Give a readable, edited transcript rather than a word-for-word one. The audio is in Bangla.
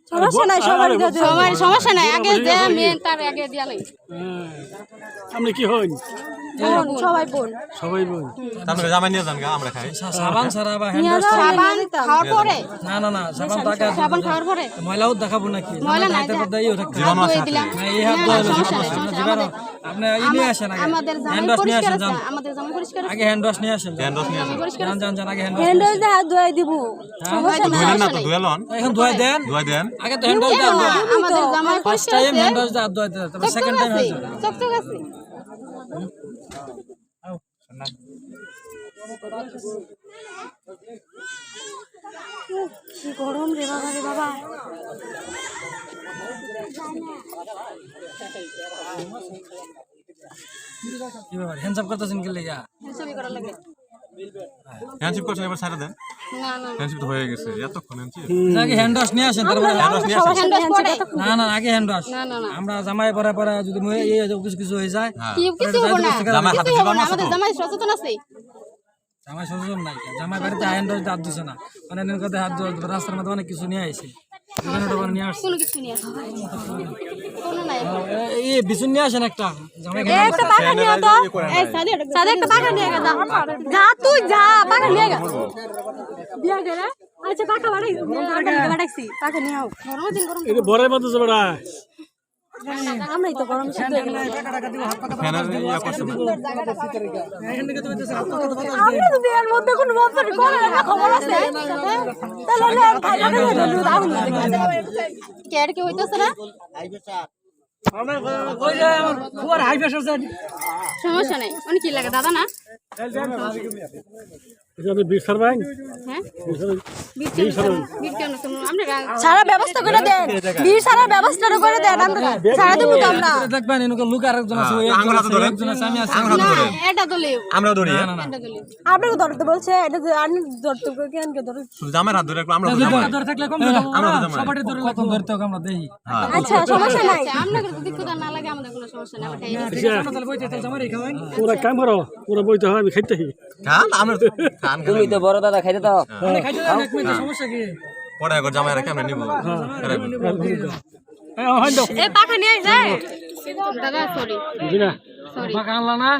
সমস্যা নাই, সবার সমস্যা নাই, আগে যে মেন তার আগে দিয়া লই। আপনি কি হন? সবাই বোন। সবাই বোন। তাহলে জামাই নিয়ে যান গা, আমরা খাই। সাবান ছাড়া বা হ্যান্ড ওয়াশ সাবান খাওয়ার পরে না না না সাবান টাকা সাবান খাওয়ার পরে ময়লাও দেখাবো নাকি ময়লা নাই, হাতের মধ্যে ইও থাকতে জীবাণু আছে দিলাম। হাতে। না এই হাত ধোয়া জীবাণু আপনি ইনি আসেন আগে আমাদের হ্যান্ড জামাই ওয়াশ নিয়ে পরিষ্কার আসেন আছে, যান আমাদের জামাই পরিষ্কার আছে, আগে হ্যান্ড ওয়াশ নিয়ে আসেন হ্যান্ড ওয়াশ নিয়ে আসেন। যান যান যান আগে হ্যান্ড ওয়াশ হ্যান্ড ওয়াশ দিয়ে হাত ধুয়ে দিব। ধুইলেন না তো, ধুয়ে লন। এখন ধোয়া দেন ধুয়ে দেন। আগে তো হ্যান্ড ওয়াশ দেন আমাদের জামাই ফার্স্ট পরিষ্কার টাইম আছে, হ্যান্ড ওয়াশ দিয়ে হাত ধোয়া দেন তারপর সেকেন্ড টাইম আছে, হ্যান্ড ওয়াশ চকচক আছে। কি গরম রে বাবা রে বাবা। কি ব্যাপার হ্যান্ডস আপ করতেছেন কি লাগা ছবি করা লাগে হ্যান্ডশিপ করছেন, এবার ছাড়া দেন। না না হ্যান্ডশিপ তো হয়ে গেছে, এতক্ষণ হ্যান্ডশিপ। আগে হ্যান্ড ওয়াশ নিয়ে আসেন তারপর হ্যান্ড ওয়াশ নিয়ে আসেন। হ্যান্ড ওয়াশ পরে না না আগে হ্যান্ড ওয়াশ না না না আমরা জামাই পরে পরে যদি এই কিছু কিছু হয়ে যায় হ্যাঁ। কিছু হবে না, জামাই হাতে কিছু হবে জীবাণু না, আছে তো? আমাদের জামাই সচেতন আছে। জামাই সচেতন নাই জামাই বাড়িতে হ্যান্ড ওয়াশ হাত দিছে না মানে এর কথা হাত রাস্তার মধ্যে অনেক কিছু নিয়ে আইছে নিয়ে আসছে কোনো কিছু নিয়ে আসে কোনো নাই। এই বিছুন নিয়ে আসেন একটা জামাই একটা পাখা নিয়ে তো। এই সাদে একটা পাখা নিয়ে যা। যা তুই যা, পাখা নিয়ে যা। বিয়া গেলে আচ্ছা পাখা বাড়াইছি, পাখা নিয়ে আও। গরমের দিন গরম এটা বরের মতো যাবে না। আমরাই তো গরম শীত হয়ে গেল। ফ্যানের ইয়া করছে না। আমরা তো বিয়ের মধ্যে কোনো বছরই করে না, খবর আছে তাহলে খাই না কেয়ার কি হইতাছে না, ওই যে আমার ফুয়ার হাই প্রেসার আছে সমস্যা নাই। অনেক কি লাগে দাদা না? এটা আপনি বিট সারবেন? হ্যাঁ বিট সারবেন। বিট কেন তোমরা আমরা সারা ব্যবস্থা করে দেন, বিয়ের সারা ব্যবস্থা করে দেন, আমরা সারা দেবো তো আমরা। দেখবেন এনুকে লোক আরেকজন আছে ওই আঙুল হাতে ধরেন। একজন আছে আমি আছি আঙুল হাতে ধরেন। এটা দলে আমরাও ধরি। এটা দলে আপনাকে ধরতে বলছে, এটা যে আমি ধরতে কেন কে ধরে। শুধু জামাই হাত ধরে রাখবো, আমরা তো জামাই। ধরে থাকলে কম আমরা তো জামাই। সবারই ধরে কত ধরতে হবে আমরা দেখি হ্যাঁ। আচ্ছা সমস্যা নাই। আমরা যদি ক্ষুধা না লাগে আমাদের কোনো সমস্যা নাই, আমরা খাই তাহলে বইতে তাহলে জামাই খাওয়াই ওরা কাম করো, ওরা বইতে হয়, আমি খাইতে হই। খান, আমরা তো খান। তুমি তো বড় দাদা খাইতে দাও। খাইতে দেন এক মিনিট সমস্যা কি পরে একবার জামাই রেখে আমরা নিবো। হ্যাঁ, হয় দাও। এই পাখা নিয়ে যায় দাদা সরি বুঝি না। সরি ফাঁকা আনলা না